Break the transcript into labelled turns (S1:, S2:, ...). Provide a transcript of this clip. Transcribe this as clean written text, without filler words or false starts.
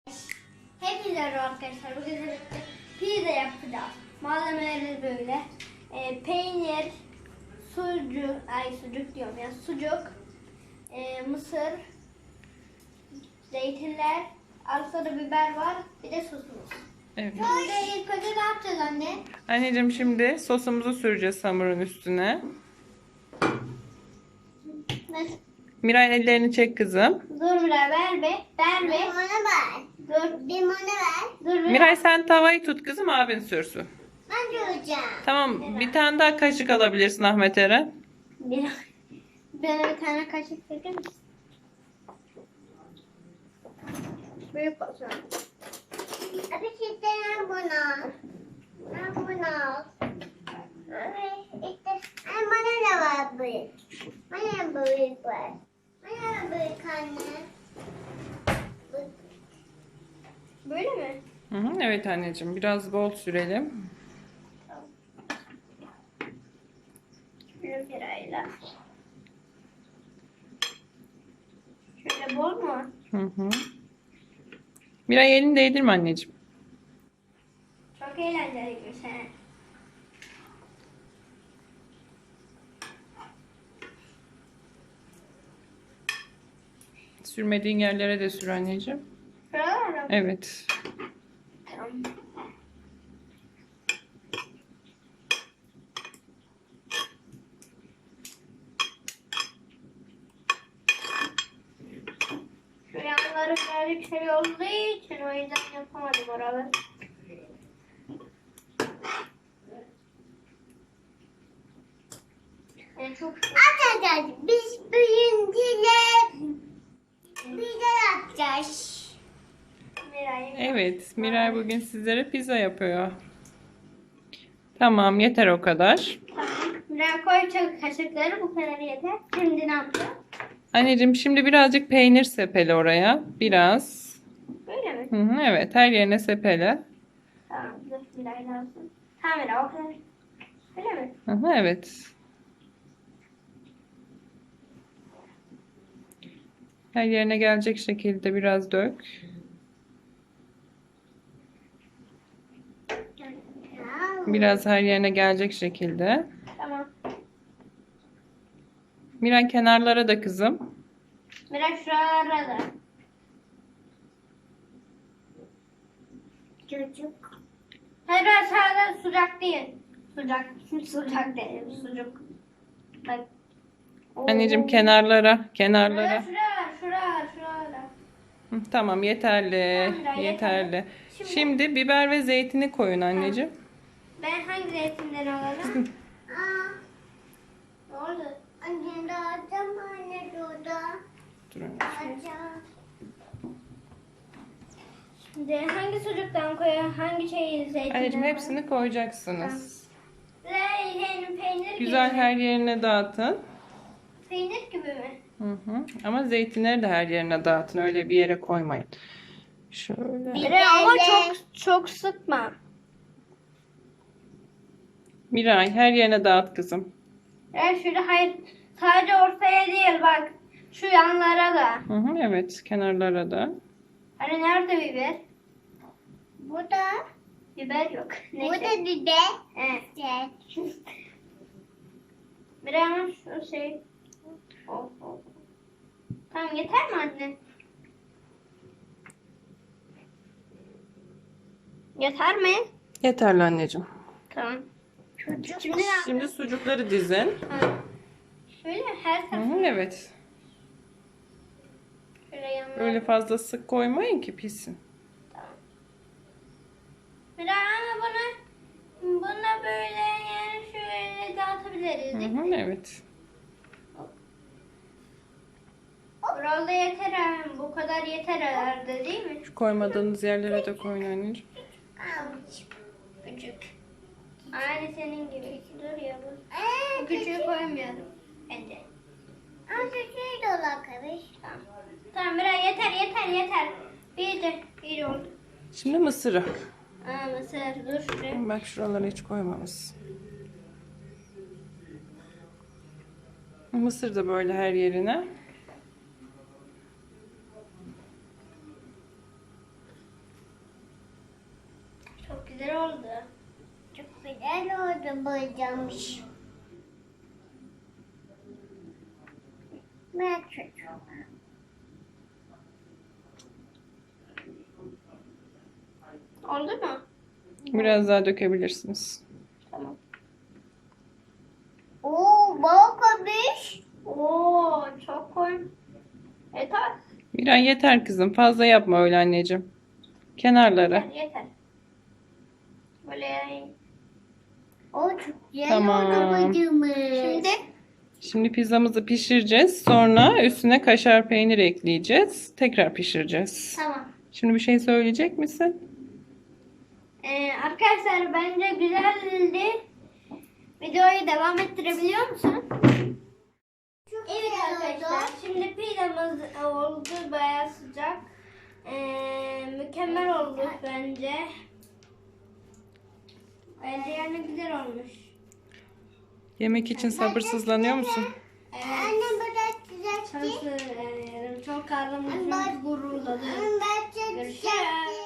S1: Hepinize merhaba arkadaşlar. Bugün birlikte pizza yapacağız. Malzemeleri böyle. Peynir, sucuk diyorum ya. Sucuk, mısır, zeytinler, arasında biber var. Bir de sosumuz.
S2: Evet.
S1: Şimdi ilk önce ne yapacağız anne?
S2: Anneciğim şimdi sosumuzu süreceğiz hamurun üstüne.
S1: Nasıl?
S2: Miray ellerini çek kızım.
S1: Dur Miray ver be. Ver be.
S3: Limonu ver.
S1: Dur.
S3: Limonu ver.
S1: Dur be.
S2: Miray sen tavayı tut kızım, abin sürsün.
S3: Ben duracağım.
S2: Tamam, bir tane daha kaşık alabilirsin Ahmet Eren.
S1: Bana bir tane kaşık verir misin? Büyük olsun.
S3: Abi işte ben bunu. Ben bunu. İşte bana da var büyük. Bana da büyük var. Bana da büyük anne.
S1: Böyle mi?
S2: Hı hı, evet anneciğim, biraz bol sürelim.
S1: Şöyle birayla. Şöyle bol mu?
S2: Hı hı. Miray elini değdirme anneciğim.
S1: Çok eğlenceliymiş he.
S2: Sürmediğin yerlere de sür anneciğim.
S1: Şuralar mı?
S2: Evet.
S1: Tamam. Şu yanları birazcık şey olduğu için o yüzden yapamadım oraları. Yani çok
S3: Arkadaşlar biz büyüyünce bize yapacağız.
S1: Miray'ı
S2: Evet, Miray bugün sizlere pizza yapıyor. Tamam, yeter o kadar.
S1: Tamam. Miray koy çok kaşıkları bu kadar yeter. Şimdi ne yapacağım?
S2: Anneciğim şimdi birazcık peynir sepele oraya. Biraz.
S1: Böyle mi?
S2: Hı hı, evet, her yerine sepele.
S1: Tamam. Dur Miray lazım. Tamam Miray o kadar. Öyle mi?
S2: Hı hı, evet. Her yerine gelecek şekilde biraz dök. Biraz her yerine gelecek şekilde.
S1: Tamam.
S2: Miray kenarlara da kızım.
S1: Miray şuralara da.
S3: Çocuk.
S1: Hayır ben sadece sıcak değil. Sıcak değil. Sucuk. Bak.
S2: Anneciğim
S1: Oo.
S2: kenarlara.
S1: Şuraya. Şuraya.
S2: Hı, tamam, yeterli.
S1: Tamam, Miray,
S2: Yeterli.
S1: Şimdi-
S2: Şimdi biber ve zeytini koyun anneciğim.
S1: Ben hangi zeytinden alalım?
S3: Aa,
S1: Ne oldu?
S3: anne de alacağım anne de orada.
S2: Dur anne.
S3: Alacağım.
S1: Şimdi hangi sucuktan koyalım? Hangi şeyi zeytinden
S2: Anneciğim hepsini koyacaksınız.
S1: Zeytin, peynir
S2: Güzel
S1: gibi mi?
S2: her yerine dağıtın.
S1: Peynir gibi mi?
S2: Hı hı. Ama zeytinleri de her yerine dağıtın. Öyle bir yere koymayın. Şöyle.
S1: Miray ama çok sıkma.
S2: Miray her yerine dağıt kızım.
S1: Şurada hayır sadece ortaya değil bak. Şu yanlara da.
S2: Hı hı, evet, kenarlara da.
S1: Hani nerede biber?
S3: Bu da.
S1: Biber yok.
S3: Bu
S1: Neyse.
S3: da biber.
S1: Evet.
S3: Evet.
S1: Miray ama şu şey. Oh. Tamam yeter mi anne? Yeter mi?
S2: Yeterli anneciğim.
S1: Tamam.
S3: Çocuk.
S1: Şimdi ne yapacağız?
S2: Şimdi sucukları dizin.
S1: Ha. Şöyle her
S2: Hı
S1: tarafı.
S2: hı, evet.
S1: Şöyle yanlara.
S2: Öyle fazla sık koymayın ki pişsin.
S1: Miray ama buna böyle yani şöyle dağıtabiliriz
S2: Hı
S1: değil mi?
S2: hı, evet.
S1: Burada yeter abi. Bu kadar yeter herhalde değil mi?
S2: Şu koymadığınız yerlere de koyun anneciğim.
S3: Avuç.
S1: Küçük. Aynı senin gibi. Dur ya bu.
S3: Aa,
S1: Bu küçüğü koymayalım. Bence.
S3: küçüğü de olabilir.
S1: Tamam. Tamam Miray yeter. Bir oldu.
S2: Şimdi mısırı.
S1: Mısır dur şuraya.
S2: Bak şuralara hiç koymamışsın. Mısır da böyle her yerine.
S1: güzel oldu.
S3: Çok güzel oldu boyamış. Ben çocuğum.
S1: Oldu mu?
S2: Biraz daha dökebilirsiniz.
S1: Tamam.
S3: Oo, balkamış.
S1: Oo, çok koy. Yeter.
S2: Miray yeter kızım. Fazla yapma öyle anneciğim. Kenarlara.
S1: Yeter. Böyle
S3: O çok güzel
S2: Tamam.
S3: oldu boyamış.
S1: şimdi
S2: Pizzamızı pişireceğiz. Sonra üstüne kaşar peynir ekleyeceğiz. Tekrar pişireceğiz.
S1: tamam.
S2: Şimdi bir şey söyleyecek misin?
S1: Arkadaşlar bence güzeldi. Videoyu devam ettirebiliyor musun? Evet arkadaşlar. Şimdi pizzamız oldu. Bayağı sıcak. Mükemmel oldu bence. Bence yani güzel olmuş.
S2: Yemek için sabırsızlanıyor musun?
S1: Evet.
S3: Anne bırak güzel.
S1: Çok karnım çok gururladı.
S3: Ben çok
S1: Görüşürüz.